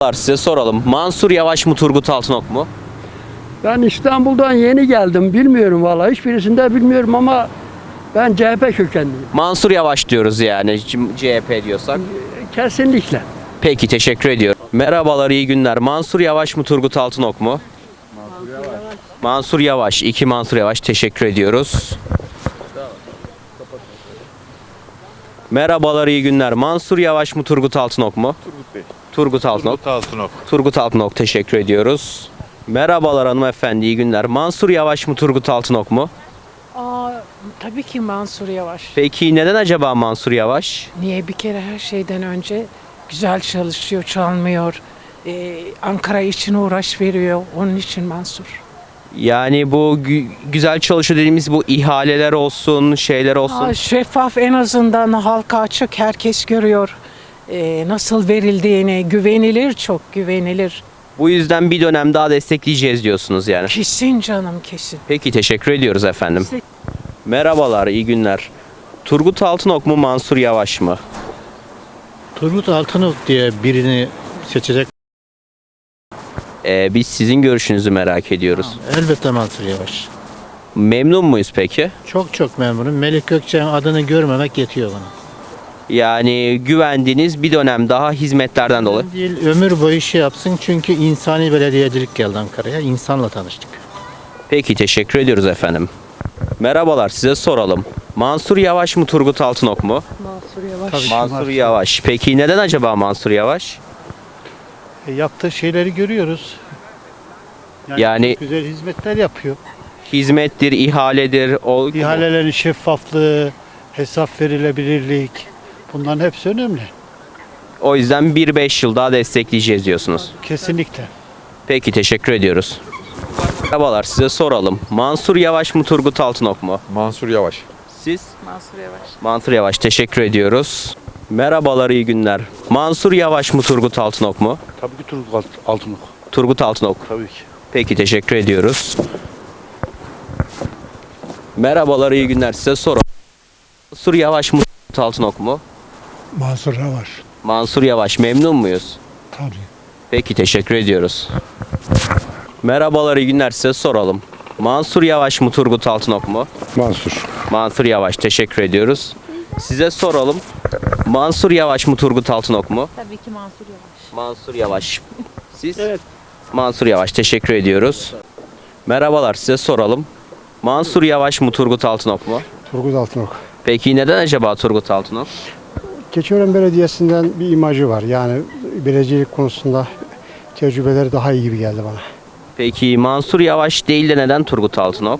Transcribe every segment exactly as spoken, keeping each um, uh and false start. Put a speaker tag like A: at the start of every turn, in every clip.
A: Size soralım. Mansur Yavaş mı Turgut Altınok mu?
B: Ben İstanbul'dan yeni geldim. Bilmiyorum vallahi. Hiçbirisini de bilmiyorum ama ben C H P kökenliyim.
A: Mansur Yavaş diyoruz yani C H P diyorsak.
B: Kesinlikle.
A: Peki teşekkür ediyorum. Merhabalar, iyi günler. Mansur Yavaş mı Turgut Altınok mu? Mansur Yavaş. Mansur Yavaş. İki Mansur Yavaş, teşekkür ediyoruz. Merhabalar, iyi günler. Mansur Yavaş mı Turgut Altınok mu?
C: Turgut Bey.
A: Turgut Altınok.
C: Turgut Altınok.
A: Turgut Altınok, teşekkür ediyoruz. Merhabalar hanımefendi, iyi günler. Mansur Yavaş mı Turgut Altınok mu?
D: Aa, tabii ki Mansur Yavaş.
A: Peki neden acaba Mansur Yavaş?
D: Niye? Bir kere her şeyden önce güzel çalışıyor, çalmıyor. Ee, Ankara için uğraş veriyor. Onun için Mansur.
A: Yani bu gü- güzel çalışıyor dediğimiz bu ihaleler olsun, şeyler olsun.
D: Aa, şeffaf, en azından halka açık, herkes görüyor. Ee, nasıl verildiğini, güvenilir, çok güvenilir.
A: Bu yüzden bir dönem daha destekleyeceğiz diyorsunuz yani.
D: Kesin canım, kesin.
A: Peki teşekkür ediyoruz efendim. Merhabalar, iyi günler. Turgut Altınok mu Mansur Yavaş mı?
E: Turgut Altınok diye birini seçecek.
A: Ee, biz sizin görüşünüzü merak ediyoruz.
E: Elbette Mansur Yavaş.
A: Memnun muyuz peki?
E: Çok çok memnunum. Melik Gökçek'in adını görmemek yetiyor bana.
A: Yani güvendiğiniz bir dönem daha hizmetlerden dolayı.
E: Değil, ömür boyu şey yapsın çünkü insani belediyecilik geldi Ankara'ya. İnsanla tanıştık.
A: Peki teşekkür ediyoruz efendim. Merhabalar, size soralım. Mansur Yavaş mı Turgut Altınok mu?
D: Mansur Yavaş.
E: Tabii.
A: Mansur Yavaş. Peki neden acaba Mansur Yavaş?
E: E, yaptığı şeyleri görüyoruz.
A: Yani-
E: çok güzel hizmetler yapıyor.
A: Hizmettir, ihaledir. O...
E: İhalelerin şeffaflığı, hesap verilebilirlik, bunların hepsi önemli.
A: O yüzden bir beş yıl daha destekleyeceğiz diyorsunuz.
E: Kesinlikle.
A: Peki teşekkür ediyoruz. Merhabalar, size soralım. Mansur Yavaş mı Turgut Altınok mu?
C: Mansur Yavaş.
A: Siz?
D: Mansur Yavaş.
A: Mansur Yavaş, teşekkür ediyoruz. Merhabalar, iyi günler. Mansur Yavaş mı Turgut Altınok mu?
C: Tabii ki Turgut Altınok.
A: Turgut Altınok.
C: Tabii ki.
A: Peki teşekkür ediyoruz. Merhabalar, iyi günler, size soralım. Mansur Yavaş mı Turgut Altınok mu?
F: Mansur Yavaş.
A: Mansur Yavaş, memnun muyuz?
F: Tabii.
A: Peki teşekkür ediyoruz. Merhabalar, iyi günler, size soralım. Mansur Yavaş mı Turgut Altınok mu?
F: Mansur.
A: Mansur Yavaş, teşekkür ediyoruz. Size soralım. Mansur Yavaş mı Turgut Altınok mu?
G: Tabii ki Mansur Yavaş.
A: Mansur Yavaş. Siz? Evet. Mansur Yavaş, teşekkür ediyoruz. Merhabalar, size soralım. Mansur Yavaş mı Turgut Altınok mu?
F: Turgut Altınok.
A: Peki neden acaba Turgut Altınok?
F: Keçiören Belediyesi'nden bir imajı var. Yani belediyecilik konusunda tecrübeleri daha iyi gibi geldi bana.
A: Peki Mansur Yavaş değil de neden Turgut Altınok?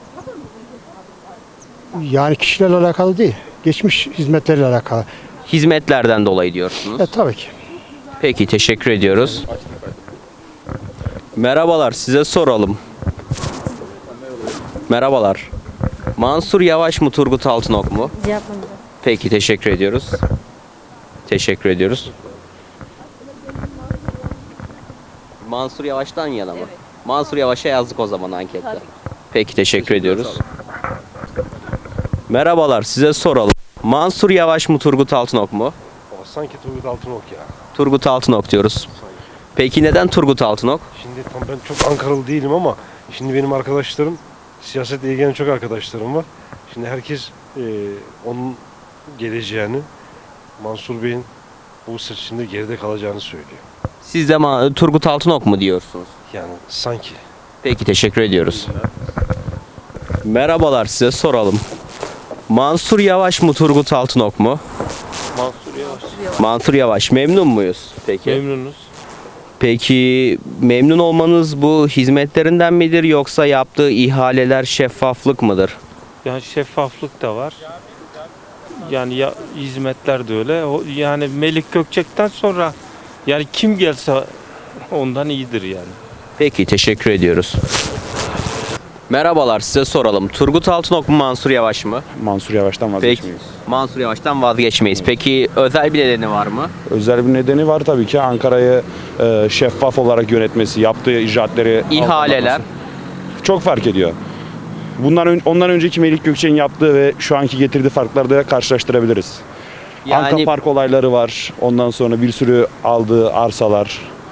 F: Yani kişilerle alakalı değil. Geçmiş hizmetleriyle alakalı.
A: Hizmetlerden dolayı diyorsunuz.
F: Evet tabii ki.
A: Peki teşekkür ediyoruz. Merhabalar, size soralım. Merhabalar. Mansur Yavaş mı Turgut Altınok mu?
G: Yapmadım.
A: Peki teşekkür ediyoruz. Teşekkür ediyoruz. Mansur Yavaş'tan yana mı? Mansur Yavaş'a yazdık o zaman ankette. Peki teşekkür ediyoruz. Merhabalar, size soralım. Mansur Yavaş mı Turgut Altınok mu?
C: Sanki Turgut Altınok ya.
A: Turgut Altınok diyoruz. Peki neden Turgut Altınok?
C: Şimdi tam ben çok Ankaralı değilim ama şimdi benim arkadaşlarım, siyasetle ilgilenen çok arkadaşlarım var. Şimdi herkes e, onun geleceğini, Mansur Bey'in bu seçimde geride kalacağını söylüyor.
A: Siz de Ma- Turgut Altınok mu diyorsunuz?
C: Yani sanki.
A: Peki teşekkür ediyoruz. Merhabalar, size soralım. Mansur Yavaş mı Turgut Altınok mu?
C: Mansur Yavaş.
A: Mansur Yavaş, memnun muyuz? Peki.
C: Memnunuz.
A: Peki memnun olmanız bu hizmetlerinden midir yoksa yaptığı ihaleler şeffaflık mıdır?
H: Yani şeffaflık da var. Yani ya, hizmetler de öyle. O, yani Melik Gökçek'ten sonra yani kim gelse ondan iyidir yani.
A: Peki teşekkür ediyoruz. Merhabalar, size soralım. Turgut Altınok mu Mansur Yavaş mı?
I: Mansur Yavaş'tan
A: Peki.
I: vazgeçmeyiz.
A: Mansur Yavaş'tan vazgeçmeyiz. Peki özel bir nedeni var mı?
I: Özel bir nedeni var tabii ki. Ankara'yı e, şeffaf olarak yönetmesi, yaptığı icraatleri...
A: İhaleler.
I: Çok fark ediyor. Bundan ön- ondan önceki Melik Gökçek'in yaptığı ve şu anki getirdiği farkları da karşılaştırabiliriz.
A: Yani
I: Anka Park olayları var. Ondan sonra bir sürü aldığı arsalar.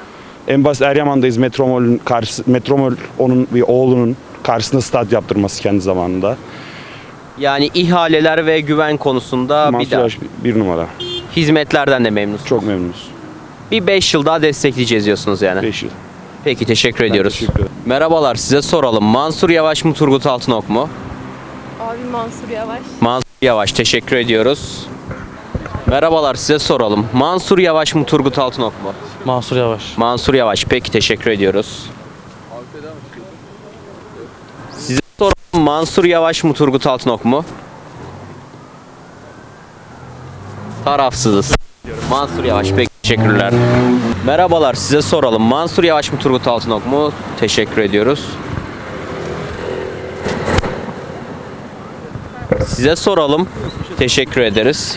I: En basit Eryaman'dayız. Metromol'ün karşı, Metromol onun bir oğlunun karşısında stat yaptırması kendi zamanında.
A: Yani ihaleler ve güven konusunda bir
I: Mansur
A: daha.
I: Yavaş bir numara.
A: Hizmetlerden de memnunsunuz.
I: Çok memnunuz.
A: Bir beş yıl daha destekleyeceğiz diyorsunuz yani.
I: beş yıl.
A: Peki teşekkür ediyoruz.
I: teşekkür ederim.
A: Merhabalar, size soralım. Mansur Yavaş mı Turgut Altınok mu?
G: Abi Mansur Yavaş.
A: Mansur Yavaş, teşekkür ediyoruz. Merhabalar, size soralım. Mansur Yavaş mı Turgut Altınok mu?
J: Mansur Yavaş.
A: Mansur Yavaş, peki teşekkür ediyoruz. Size soralım. Mansur Yavaş mı Turgut Altınok mu? Tarafsızız. Mansur Yavaş, peki teşekkürler. Merhabalar, size soralım. Mansur Yavaş mı Turgut Altınok mu? Teşekkür ediyoruz. Size soralım. Teşekkür ederiz.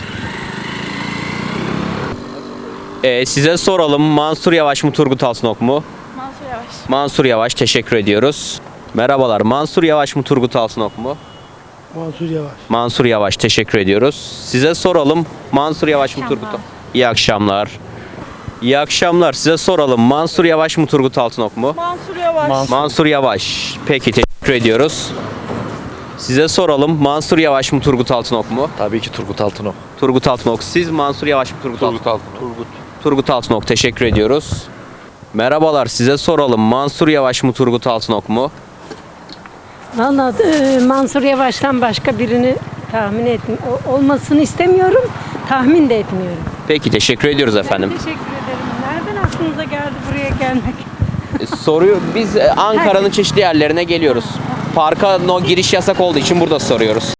A: Ee, size soralım. Mansur Yavaş mı Turgut Altınok mu?
G: Mansur Yavaş.
A: Mansur Yavaş, teşekkür ediyoruz. Merhabalar. Mansur Yavaş mı Turgut Altınok mu?
F: Mansur Yavaş.
A: Mansur Yavaş, teşekkür ediyoruz. Size soralım. Mansur Yavaş mı Turgut Altınok? İyi akşamlar. İyi akşamlar. Size soralım. Mansur Yavaş mı Turgut Altınok mu?
G: Mansur Yavaş.
A: Mansur Yavaş. Peki teşekkür ediyoruz. Size soralım. Mansur Yavaş mı Turgut Altınok mu?
J: Tabii ki Turgut Altınok.
A: Turgut Altınok. Siz Mansur Yavaş mı Turgut, Altınok?
J: Altınok.
A: Turgut. Turgut Altınok. Teşekkür ediyoruz. Merhabalar. Size soralım. Mansur Yavaş mı Turgut Altınok mu?
K: Valla e, Mansur Yavaş'tan başka birini tahmin et olmasını istemiyorum, tahmin de etmiyorum.
A: Peki teşekkür ediyoruz efendim.
K: Teşekkür ederim. Nereden aklınıza geldi buraya gelmek?
A: E, Soruyor. Biz e, Ankara'nın çeşitli yerlerine geliyoruz. Parka no giriş yasak olduğu için burada soruyoruz.